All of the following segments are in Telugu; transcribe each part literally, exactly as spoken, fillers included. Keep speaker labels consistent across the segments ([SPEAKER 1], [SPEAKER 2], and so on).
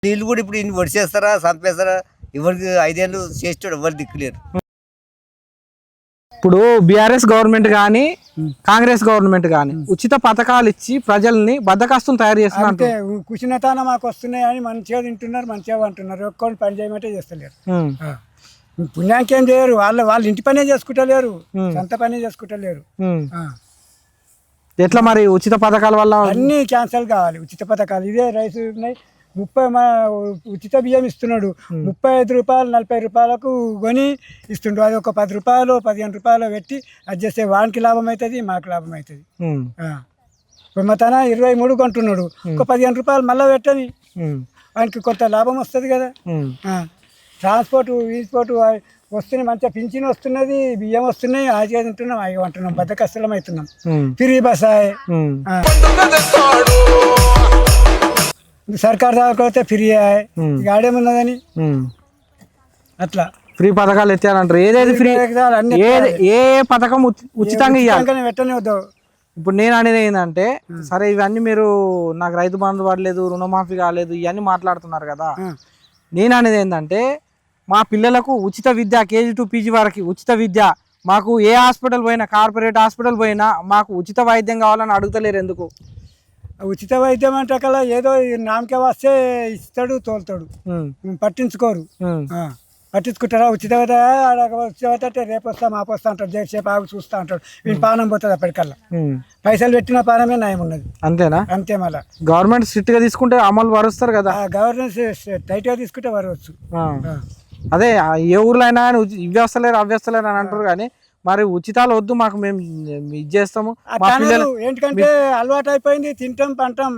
[SPEAKER 1] వీళ్ళు కూడా ఇప్పుడు ఇన్ని వడిచేస్తారా చంపేస్తారా? ఎవరికి ఐదేళ్ళు చేసేటోడు ఎవరు దిక్కులేరు.
[SPEAKER 2] ఇప్పుడు బీఆర్ఎస్ గవర్నమెంట్ కానీ కాంగ్రెస్ గవర్నమెంట్ కానీ ఉచిత పథకాలు ఇచ్చి ప్రజల్ని బద్దకస్తులు తయారు చేస్తున్నారు.
[SPEAKER 3] కుషినతాన మాకు వస్తున్నాయి అని మంచిగా తింటున్నారు, మంచిగా అంటున్నారు. ఒక్కొని పని చేయమంటే చేస్తలేరు. పుణ్యానికి ఏం చేయరు. వాళ్ళు వాళ్ళు ఇంటి పనే చేసుకుంటలేరు, సొంత పనే చేసుకుంటలేరు.
[SPEAKER 2] ఎట్లా మరి ఉచిత పథకాల వల్ల
[SPEAKER 3] అన్ని క్యాన్సల్ కావాలి. ఉచిత పథకాలు ఇదే రైస్ ఉన్నాయి. ముప్పై ఉచిత బియ్యం ఇస్తున్నాడు. ముప్పై ఐదు రూపాయలు నలభై రూపాయలకు కొని ఇస్తుండు. అది ఒక పది రూపాయలు పదిహేను రూపాయలు పెట్టి అది చేస్తే వానికి లాభం అవుతుంది, మాకు లాభం అవుతుంది. ఇప్పుడు మా తన ఇరవై మూడు కొంటున్నాడు, ఒక పదిహేను రూపాయలు మళ్ళీ పెట్టని వానికి కొంత లాభం వస్తుంది కదా. ట్రాన్స్పోర్ట్ ట్రాన్స్పోర్ట్ వస్తున్నాయి, మంచిగా పింఛన్ వస్తున్నది, బియ్యం వస్తున్నాయి, ఆజీ తింటున్నాం, అవి అంటున్నాం, బద్దకష్టలం అవుతున్నాం. ఫ్రీ బస్ సర్కార్ దాకపోతే ఫ్రీ ఆడేమున్నదని అట్లా
[SPEAKER 2] ఫ్రీ పథకాలు ఎత్తారంటారు. ఏదేది ఫ్రీ ఏ పథకం ఉచితంగా ఇవ్వాలి
[SPEAKER 3] పెట్టనే వద్దు.
[SPEAKER 2] ఇప్పుడు నేను అనేది ఏంటంటే, సరే ఇవన్నీ మీరు నాకు రైతు బంధు పడలేదు, రుణమాఫీ కాలేదు, ఇవన్నీ మాట్లాడుతున్నారు కదా. నేను అనేది ఏంటంటే, మా పిల్లలకు ఉచిత విద్య కేజీ టు పీజీ వరకు ఉచిత విద్య, మాకు ఏ హాస్పిటల్ పోయినా కార్పొరేట్ హాస్పిటల్ పోయినా మాకు ఉచిత వైద్యం కావాలని అడుగుతలేరు ఎందుకు?
[SPEAKER 3] ఉచిత వైద్యం అంటే కల్లా ఏదో నామకే వస్తే ఇస్తాడు, తోలుతాడు, పట్టించుకోరు. పట్టించుకుంటారా? ఉచిత ఉచిత అంటే రేపు వస్తా మాపు వస్తా అంటాడు, జగసేపు ఆగు చూస్తా అంటాడు. వీళ్ళు పానం పోతుంది అప్పటికల్లా. పైసలు పెట్టిన పానమే నయం ఉన్నది.
[SPEAKER 2] అంతేనా?
[SPEAKER 3] అంతే. మళ్ళీ
[SPEAKER 2] గవర్నమెంట్ స్ట్రిక్ట్ గా తీసుకుంటే అమలు పరుస్తారు కదా.
[SPEAKER 3] గవర్నమెంట్ టైట్ గా తీసుకుంటే వరవచ్చు.
[SPEAKER 2] అదే ఏ ఊర్లో అయినా ఇవి వస్తలేరు అవి వస్తలేరు అని అంటారు. కానీ మరి ఉచితాలు వద్దు, మాకు మేము ఇది చేస్తాము.
[SPEAKER 3] ఏంటంటే అలవాటు అయిపోయింది, తింటాం పంటాం.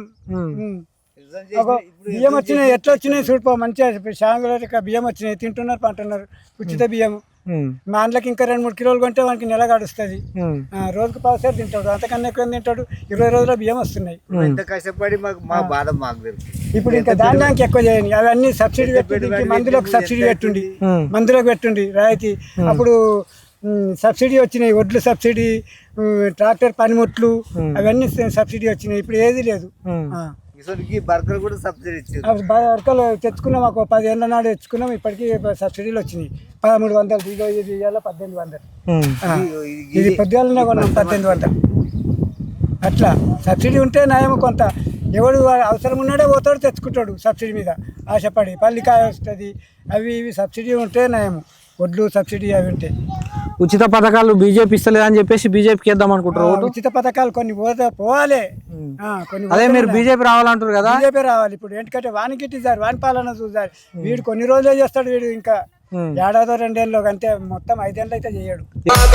[SPEAKER 3] బియ్యం వచ్చినాయి, ఎట్లా వచ్చినాయి చూడిపో, మంచిగా శాంగుల బియ్యం వచ్చినాయి, తింటున్నారు పంటున్నారు. ఉచిత బియ్యం మా అందులోకి ఇంకా రెండు మూడు కిలోలు కొంటే వానికి నెల గడుస్తుంది. రోజుకు పావుసారి తింటాడు, అంతకన్నా ఎక్కువ తింటాడు. ఇరవై రోజుల బియ్యం వస్తున్నాయి.
[SPEAKER 1] కష్టపడి మా బాధ మాకు
[SPEAKER 3] ఇప్పుడు ఇంకా ధాన్యానికి ఎక్కువ చేయండి. అవన్నీ సబ్సిడీ పెట్టుండి, మందులకు సబ్సిడీ పెట్టుండి, మందులకు పెట్టుండి రాయితీ. అప్పుడు సబ్సిడీ వచ్చినాయి, వడ్లు సబ్సిడీ, ట్రాక్టర్ పనిముట్లు అవన్నీ సబ్సిడీ వచ్చినాయి. ఇప్పుడు ఏది లేదు.
[SPEAKER 1] బర్గర్ కూడా సబ్సిడీ ఇచ్చింది.
[SPEAKER 3] బర్గర్లు తెచ్చుకున్నాం, ఒక పది ఏళ్ళ నాడు తెచ్చుకున్నాం. ఇప్పటికీ సబ్సిడీలు వచ్చినాయి. పదమూడు వందలు దిగో ఇది ఇవాళ పద్దెనిమిది వందలు ఇది పొద్దుగాలనే కొన్నాం పద్దెనిమిది వందలు. అట్లా సబ్సిడీ ఉంటే నయం. కొంత ఎవడు అవసరం ఉన్నాడే పోతాడు, తెచ్చుకుంటాడు సబ్సిడీ మీద ఆశపడి. పల్లికాయ వస్తుంది, అవి ఇవి సబ్సిడీ ఉంటే నయం. వడ్లు సబ్సిడీ అవి ఉంటాయి.
[SPEAKER 2] ఉచిత పథకాలు బీజేపీ ఇస్తలేదు అని చెప్పేసి బీజేపీకి వేద్దాం అనుకుంటారు.
[SPEAKER 3] ఉచిత పథకాలు కొన్ని పోతే పోవాలి. కొన్ని
[SPEAKER 2] అదే మీరు బీజేపీ రావాలంటారు కదా.
[SPEAKER 3] బీజేపీ రావాలి. ఇప్పుడు ఎందుకంటే వానికి ఇట్టిసారు, వాని పాలన చూసారు. వీడు కొన్ని రోజులే చేస్తాడు. వీడు ఇంకా ఏడాదో రెండేళ్ళు అంతే, మొత్తం ఐదేళ్ళు అయితే చేయడు.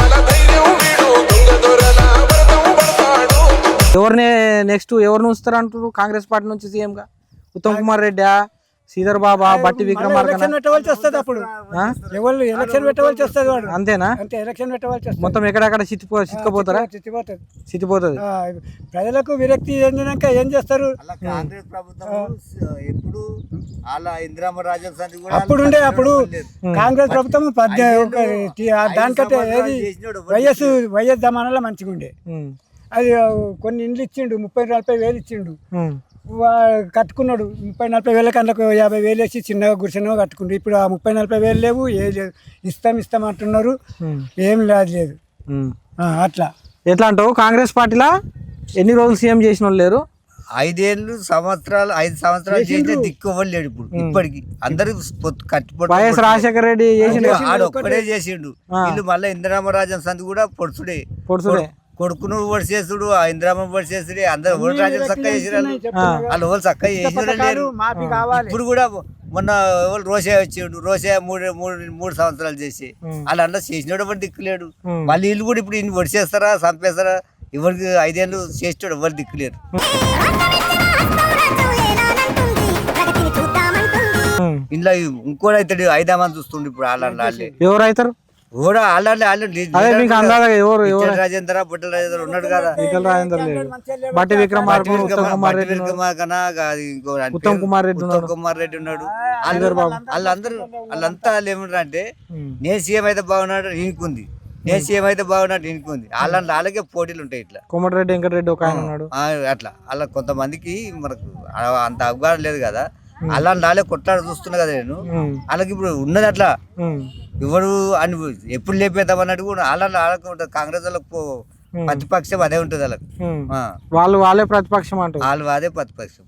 [SPEAKER 2] ఎవరిని నెక్స్ట్ ఎవరిని ఉంచుతారు అంటారు కాంగ్రెస్ పార్టీ నుంచి సీఎం గా? ఉత్తమ్ కుమార్ రెడ్డి, శ్రీధర్ బాబా, బట్టి విక్రమార్క
[SPEAKER 3] పెట్టవలసి వస్తుంది. అప్పుడు ఎవరు ఎలక్షన్ పెట్టవలసి వస్తుంది. వాడు
[SPEAKER 2] అంతేనా?
[SPEAKER 3] అంతే, ఎలక్షన్ పెట్టవలసి వస్తుంది.
[SPEAKER 2] మొత్తం ఎక్కడెక్కడ చిత్తిపో చిత్తుకుపోతారా?
[SPEAKER 3] చిత్తిపోతుంది
[SPEAKER 2] చిత్తిపోతుంది.
[SPEAKER 3] ప్రజలకు విరక్తి చెందినాక ఏం చేస్తారు?
[SPEAKER 1] కాంగ్రెస్ ప్రభుత్వం ఎప్పుడు
[SPEAKER 3] అప్పుడు ఉండే అప్పుడు కాంగ్రెస్ ప్రభుత్వం దానికంటే ఏది వైఎస్ వైఎస్ జమానాలో మంచిగా ఉండే. అది కొన్ని ఇండ్లు ఇచ్చిండు, ముప్పై నలభై వేలు ఇచ్చిండు, కట్టుకున్నాడు. ముప్పై నలభై వేల కళ్ళకు యాభై వేలు వేసి చిన్నగా గుడిసెనో కట్టుకుండు. ఇప్పుడు ఆ ముప్పై నలభై వేలు లేవు, ఏ లేదు. ఇస్తాం ఇస్తాం అంటున్నారు, ఏం లేదు లేదు. అట్లా
[SPEAKER 2] ఎట్లా అంటావు? కాంగ్రెస్ పార్టీలో ఎన్ని రోజులు సీఎం చేసిన వాళ్ళు లేరు.
[SPEAKER 1] ఐదేళ్ళు సంవత్సరాలు ఐదు సంవత్సరాలు చేస్తే దిక్కు లేడు. ఇప్పుడు ఇప్పటికి అందరు కట్టిపోయి
[SPEAKER 2] వైఎస్ రాజశేఖర రెడ్డి
[SPEAKER 1] ఆడు ఒక్కడే చేసిండు. వీళ్ళు మళ్ళీ ఇందిరామరాజన్ సంది కూడా పొడుచుడే
[SPEAKER 2] పొడుచుడే
[SPEAKER 1] కొడుకును ఓడి చేసుడు, ఆ ఇందిరామ ఓడి చేసుడు. అందరు ఓడి రాజ్యం చక్కగా చేసిరాళ్ళు, వాళ్ళు ఓళ్ళు చక్కగా చేసిన లేరు. ఇప్పుడు కూడా మొన్న ఎవరు రోషే వచ్చిండు, రోషే మూడు మూడు మూడు సంవత్సరాలు చేసి వాళ్ళు అందరూ చేసినోడు ఎవరు దిక్కులేడు. మళ్ళీ వీళ్ళు కూడా ఇప్పుడు ఇన్ని ఒడి చేస్తారా చంపేస్తారా? ఎవరికి ఐదేళ్ళు చేసేటోడు ఎవరు దిక్కులేరు. ఇంట్లో ఇంకోటి అవుతాడు, ఐదామని చూస్తుండే. ఇప్పుడు వాళ్ళే
[SPEAKER 2] ఎవరు అవుతారు?
[SPEAKER 1] కూడా ఆల్రెడీ ఆల్రెడీ రాజేంద్ర బుట్టల రాజేంద్ర ఉన్నాడు కదా.
[SPEAKER 2] బట్టి విక్రమార్క, ఉత్తమ్ కుమార్ రెడ్డి
[SPEAKER 1] ఉత్తమ్ కుమార్ రెడ్డి ఉన్నాడు. వాళ్ళందరూ వాళ్ళంతా వాళ్ళు ఏమంటారు అంటే, నేను సీఎం అయితే బాగున్నాడు ఈయనకుంది, నేను సీఎం అయితే బాగున్నాడు ఈయనకుంది. వాళ్ళ వాళ్ళకే పోటీలు ఉంటాయి. ఇట్లా
[SPEAKER 2] కోమటిరెడ్డి వెంకటరెడ్డి ఒక ఆయన ఉన్నాడు.
[SPEAKER 1] అట్లా అలా కొంతమందికి మనకు అంత అవగాహన లేదు కదా. అలాంటి వాళ్ళే కొట్లాడ చూస్తున్నా కదా నేను.
[SPEAKER 2] ఉమ్,
[SPEAKER 1] వాళ్ళకి ఇప్పుడు ఉన్నది అట్లా
[SPEAKER 2] ఉమ్,
[SPEAKER 1] ఎవరు అని ఎప్పుడు లేపేద్దాం అన్నట్టు కూడా అలా వాళ్ళకి ఉంటుంది. కాంగ్రెస్ వాళ్ళకు ప్రతిపక్షం అదే ఉంటుంది వాళ్ళకి.
[SPEAKER 2] ఉమ్.
[SPEAKER 1] ఆ,
[SPEAKER 2] వాళ్ళు వాళ్ళే ప్రతిపక్షం అంటారు.
[SPEAKER 1] వాళ్ళు అదే ప్రతిపక్షం.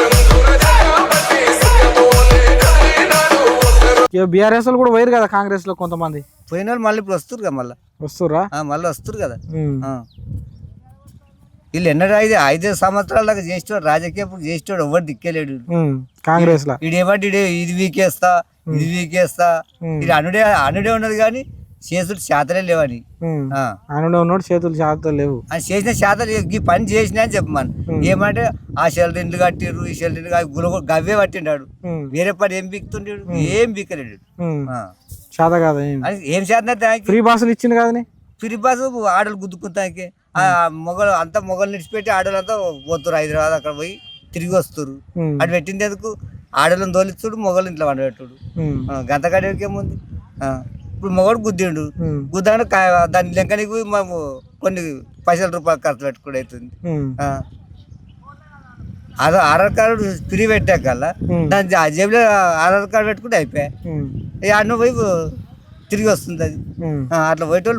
[SPEAKER 2] బీఆర్ఎస్ వాళ్ళు కూడా పోయారు కదా కాంగ్రెస్ లో కొంతమంది.
[SPEAKER 1] పోయిన వాళ్ళు మళ్ళీ ఇప్పుడు వస్తారు కదా మళ్ళీ.
[SPEAKER 2] వస్తుర్రా?
[SPEAKER 1] మళ్ళీ వస్తారు కదా.
[SPEAKER 2] ఉమ్,
[SPEAKER 1] ఆ. వీళ్ళు ఎన్నడూ ఐదు ఐదు సంవత్సరాల దాకా చేసేవాడు రాజకీయం చేసేవాడు ఎవరు దిక్కేలేడు.
[SPEAKER 2] ఉమ్, కాంగ్రెస్ లా
[SPEAKER 1] ఇది ఏమంటే ఇడే ఇది వీకేస్తా ఇది వీకేస్తా ఇది అనుడే అనుడే ఉన్నది కానీ చేసుడు శాతలే లేవని.
[SPEAKER 2] ఉమ్.
[SPEAKER 1] ఆ.
[SPEAKER 2] అనుడే ఉన్నాడు చేతులు చేతులు లేవు.
[SPEAKER 1] అని చేసిన శాతం ఈ పని చేసినా అని చెప్పమని ఏమంటే ఆ షెల్టర్ ఇండ్లు కట్టిర్రు ఈ షెల్టర్ ఇండ్లు గుల గవ్వే పట్టిండాడు.
[SPEAKER 2] ఉమ్,
[SPEAKER 1] వేరే పని ఏం బీక్తుండేడు ఏం బీకలేడు.
[SPEAKER 2] ఉమ్.
[SPEAKER 1] ఆ.
[SPEAKER 2] చేత కాదు ఏం.
[SPEAKER 1] అని ఏం శాతం
[SPEAKER 2] ఫ్రీ బస్సులు ఇచ్చింది కదని.
[SPEAKER 1] ఫ్రీ బస్ ఆడలు గుద్దుకుంటానికి ఆ మొగలు అంతా మొగలు నిడిచిపెట్టి ఆడలు అంతా పోతురు హైదరాబాద్ అక్కడ పోయి తిరిగి వస్తారు.
[SPEAKER 2] ఉమ్,
[SPEAKER 1] అటు పెట్టింది ఎందుకు ఆడలను తోలిస్తుడు మొగలు ఇంట్లో వండబెట్టుడు.
[SPEAKER 2] ఉమ్,
[SPEAKER 1] గంత కడికి ఏముంది. ఆ. ఇప్పుడు మొగడు గుద్దిండు
[SPEAKER 2] ఉమ్,
[SPEAKER 1] గుద్దాడు దాని లెక్కనికి మేము కొన్ని పైసల రూపాయలు ఖర్చు పెట్టుకుని అవుతుంది.
[SPEAKER 2] ఉమ్,
[SPEAKER 1] ఆ. ఆధార్ ఆధార్ కార్డు ఫ్రీ పెట్టాకల్లా
[SPEAKER 2] ఉమ్,
[SPEAKER 1] దాని ఆ జేబులో ఆధార్ కార్డు పెట్టుకుంటే అయిపోయాయి.
[SPEAKER 2] ఉమ్,
[SPEAKER 1] ఈ అన్న పోయి తిరిగి వస్తుంది అది.
[SPEAKER 2] ఉమ్.
[SPEAKER 1] ఆ, అట్లా పోయేటోళ్ళు